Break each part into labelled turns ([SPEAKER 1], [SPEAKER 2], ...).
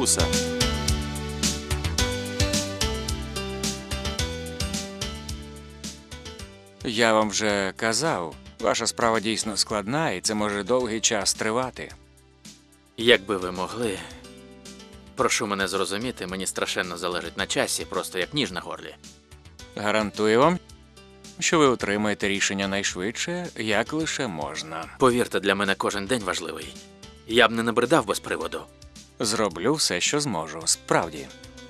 [SPEAKER 1] вуса.
[SPEAKER 2] Я вам вже казав, ваша справа дійсно складна, і це може довгий час тривати.
[SPEAKER 3] Якби ви могли. Прошу мене зрозуміти, мені страшенно залежить на часі, просто як ніж на горлі.
[SPEAKER 2] Гарантую вам, що ви отримаєте рішення найшвидше, як лише можна.
[SPEAKER 3] Повірте, для мене кожен день важливий. Я б не набридав без приводу.
[SPEAKER 2] Зроблю все, що зможу, справді.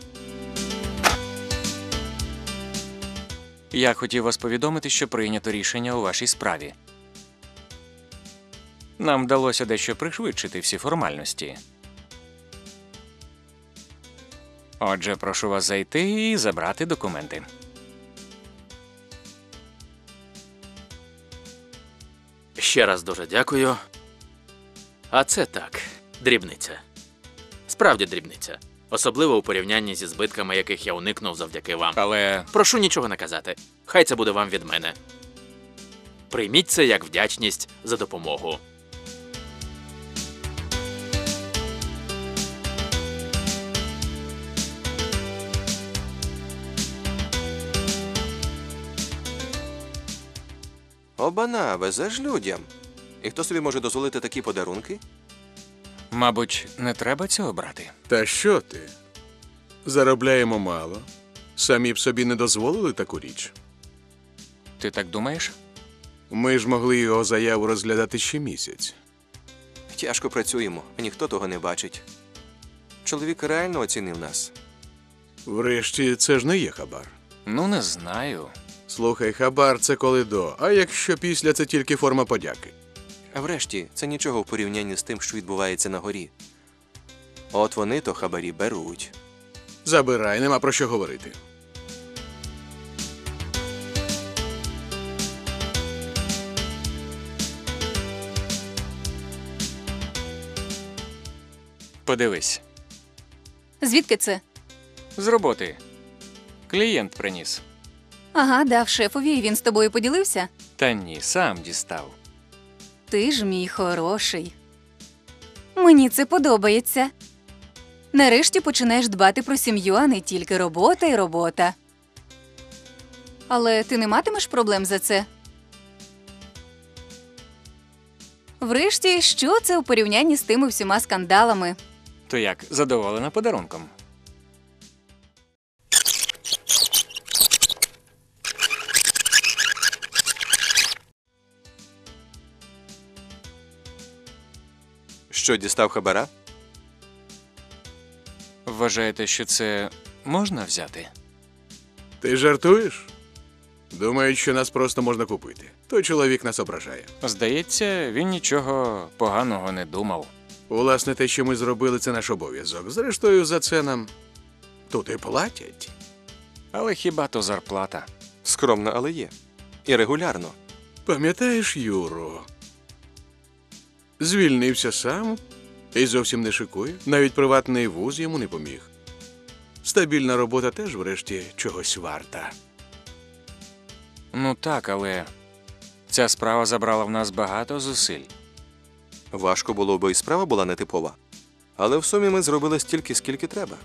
[SPEAKER 2] Я хотів вас повідомити, що прийнято рішення у вашій справі. Нам вдалося дещо пришвидшити всі формальності. Отже, прошу вас зайти і забрати документи.
[SPEAKER 3] Ще раз дуже дякую. А це так, дрібниця. Справді дрібниця. Особливо у порівнянні зі збитками, яких я уникнув завдяки вам.
[SPEAKER 2] Але
[SPEAKER 3] Прошу нічого не казати. Хай це буде вам від мене. Прийміть це як вдячність за допомогу.
[SPEAKER 1] Обана, везеш людям. І хто собі може дозволити такі подарунки?
[SPEAKER 2] мабуть, не треба цього брати.
[SPEAKER 4] Та що ти? Заробляємо мало. Самі б собі не дозволили таку річ.
[SPEAKER 2] Ти так думаєш?
[SPEAKER 4] Ми ж могли його заяву розглядати ще місяць.
[SPEAKER 1] Тяжко працюємо, а ніхто того не бачить. Чоловік реально оцінив нас.
[SPEAKER 4] Врешті, це ж не є хабар.
[SPEAKER 2] Ну, не знаю.
[SPEAKER 4] Слухай, хабар – це коли до, а якщо після – це тільки форма подяки.
[SPEAKER 1] А врешті, це нічого в порівнянні з тим, що відбувається на горі. От вони то хабарі беруть.
[SPEAKER 4] Забирай, нема про що говорити.
[SPEAKER 2] Подивись.
[SPEAKER 5] Звідки це?
[SPEAKER 2] З роботи. Клієнт приніс.
[SPEAKER 5] Ага, дав шефові, і він з тобою поділився?
[SPEAKER 2] Та ні, сам дістав.
[SPEAKER 5] Ти ж мій хороший. Мені це подобається. Нарешті починаєш дбати про сім'ю, а не тільки робота і робота. Але ти не матимеш проблем за це? Врешті, що це у порівнянні з тими всіма скандалами?
[SPEAKER 2] То як, задоволена подарунком?
[SPEAKER 1] Що, дістав хабара?
[SPEAKER 2] Вважаєте, що це можна взяти?
[SPEAKER 4] Ти жартуєш? Думають, що нас просто можна купити. Той чоловік нас ображає.
[SPEAKER 2] Здається, він нічого поганого не думав.
[SPEAKER 4] Власне, те, що ми зробили, це наш обов'язок. Зрештою, за це нам тут і платять.
[SPEAKER 2] Але хіба то зарплата?
[SPEAKER 1] Скромно, але є. І регулярно.
[SPEAKER 4] Пам'ятаєш Юру? Звільнився сам і зовсім не шикує. Навіть приватний вуз йому не поміг. Стабільна робота теж, врешті, чогось варта.
[SPEAKER 2] Ну так, але ця справа забрала в нас багато зусиль.
[SPEAKER 1] Важко було, бо і справа була нетипова. Але в сумі ми зробили стільки, скільки треба.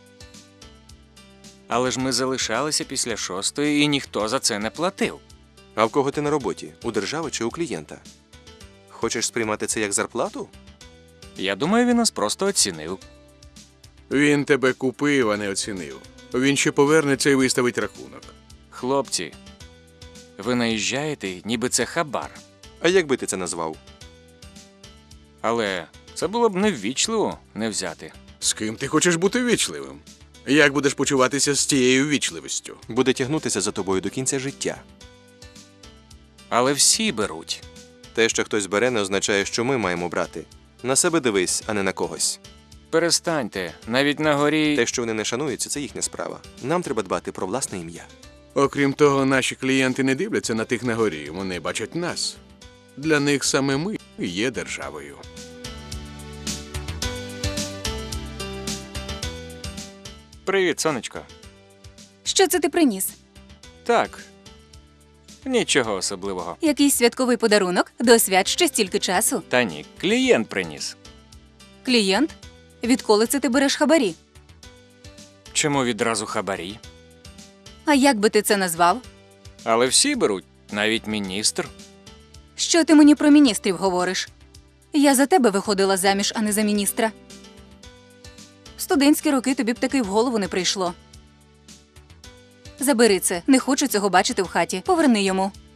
[SPEAKER 2] Але ж ми залишалися після 6-ї, і ніхто за це не платив.
[SPEAKER 1] А в кого ти на роботі? У держави чи у клієнта? Хочеш сприймати це як зарплату?
[SPEAKER 2] Я думаю, він нас просто оцінив.
[SPEAKER 4] Він тебе купив, а не оцінив. Він ще повернеться і виставить рахунок.
[SPEAKER 2] Хлопці, ви наїжджаєте, ніби це хабар.
[SPEAKER 1] А як би ти це назвав?
[SPEAKER 2] Але це було б неввічливо не взяти.
[SPEAKER 4] З ким ти хочеш бути ввічливим? Як будеш почуватися з тією ввічливістю?
[SPEAKER 1] Буде тягнутися за тобою до кінця життя.
[SPEAKER 2] Але всі беруть.
[SPEAKER 1] Те, що хтось бере, не означає, що ми маємо брати. На себе дивись, а не на когось.
[SPEAKER 2] Перестаньте, навіть на горі...
[SPEAKER 1] Те, що вони не шануються, це їхня справа. Нам треба дбати про власне ім'я.
[SPEAKER 4] Окрім того, наші клієнти не дивляться на тих на горі, вони бачать нас. Для них саме ми є державою.
[SPEAKER 2] Привіт, сонечко.
[SPEAKER 5] Що це ти приніс?
[SPEAKER 2] Так, нічого особливого.
[SPEAKER 5] Якийсь святковий подарунок? До свят ще стільки часу.
[SPEAKER 2] Та ні, клієнт приніс.
[SPEAKER 5] Клієнт? Відколи це ти береш хабарі?
[SPEAKER 2] Чому відразу хабарі?
[SPEAKER 5] А як би ти це назвав?
[SPEAKER 2] Але всі беруть, навіть міністр.
[SPEAKER 5] Що ти мені про міністрів говориш? Я за тебе виходила заміж, а не за міністра. В студентські роки тобі б таки в голову не прийшло. Забери це, не хочу цього бачити в хаті. Поверни йому.